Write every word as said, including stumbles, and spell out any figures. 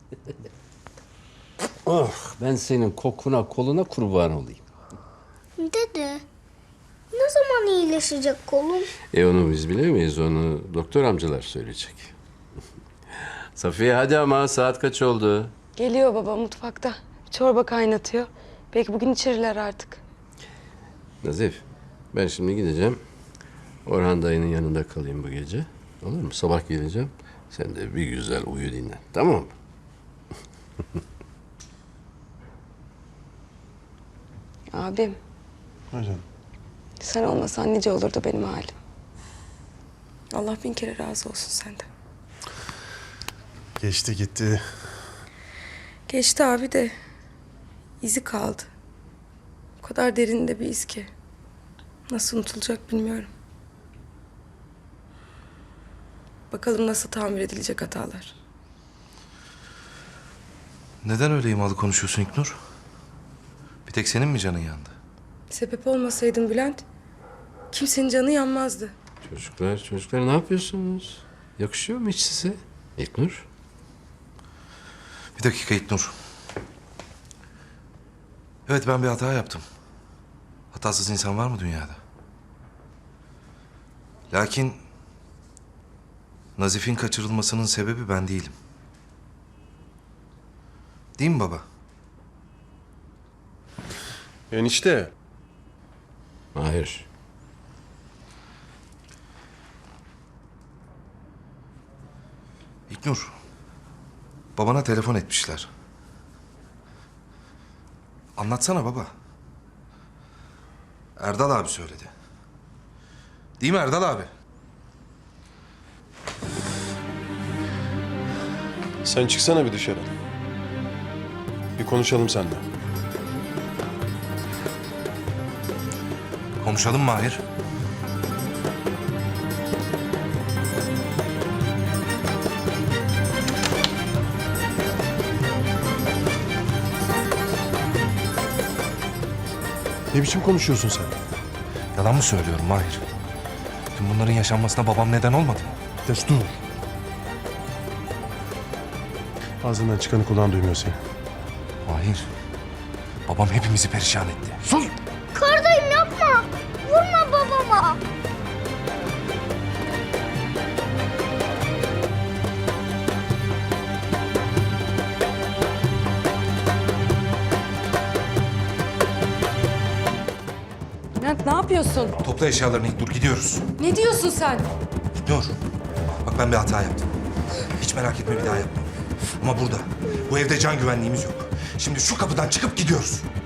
Oh, ben senin kokuna koluna kurban olayım. Dede, ne zaman iyileşecek kolum? E onu biz bilemeyiz, onu doktor amcalar söyleyecek. Safiye hadi ama saat kaç oldu? Geliyor baba mutfakta. Çorba kaynatıyor. Belki bugün içirirler artık. Nazif, ben şimdi gideceğim. Orhan dayının yanında kalayım bu gece. Olur mu? Sabah geleceğim. Sen de bir güzel uyu dinlen. Tamam mı? Abim, Hocam. sen olmasan nice olurdu benim halim. Allah bin kere razı olsun senden. Geçti gitti. Geçti abi de izi kaldı. O kadar derinde bir iz ki. Nasıl unutulacak bilmiyorum. Bakalım nasıl tamir edilecek hatalar. Neden öyle imalı konuşuyorsun İknur? Bir tek senin mi canın yandı? Sebep olmasaydın Bülent, kimsenin canı yanmazdı. Çocuklar, çocuklar ne yapıyorsunuz? Yakışıyor mu hiç size? İlknur? Bir dakika İknur. Evet, ben bir hata yaptım. Hatasız insan var mı dünyada? Lakin Nazif'in kaçırılmasının sebebi ben değilim. Değil mi baba? Enişte. Hayır. İknur, babana telefon etmişler. Anlatsana baba. Erdal abi söyledi. Değil mi Erdal abi? Sen çıksana bir dışarı. Bir konuşalım seninle. Konuşalım Mahir. Ne biçim konuşuyorsun sen? Yalan mı söylüyorum Mahir? Tüm bunların yaşanmasına babam neden olmadı mı? Destur. Ağzından çıkanı kulağın duymuyor seni. Mahir, babam hepimizi perişan etti. Sus! Kardayım yapma. Vurma babama. Bülent ne yapıyorsun? Topla eşyalarını İknur, gidiyoruz. Ne diyorsun sen? İknur, bak ben bir hata yaptım. Hiç merak etme, bir daha yapmam. Ama burada, bu evde can güvenliğimiz yok. Şimdi şu kapıdan çıkıp gidiyoruz.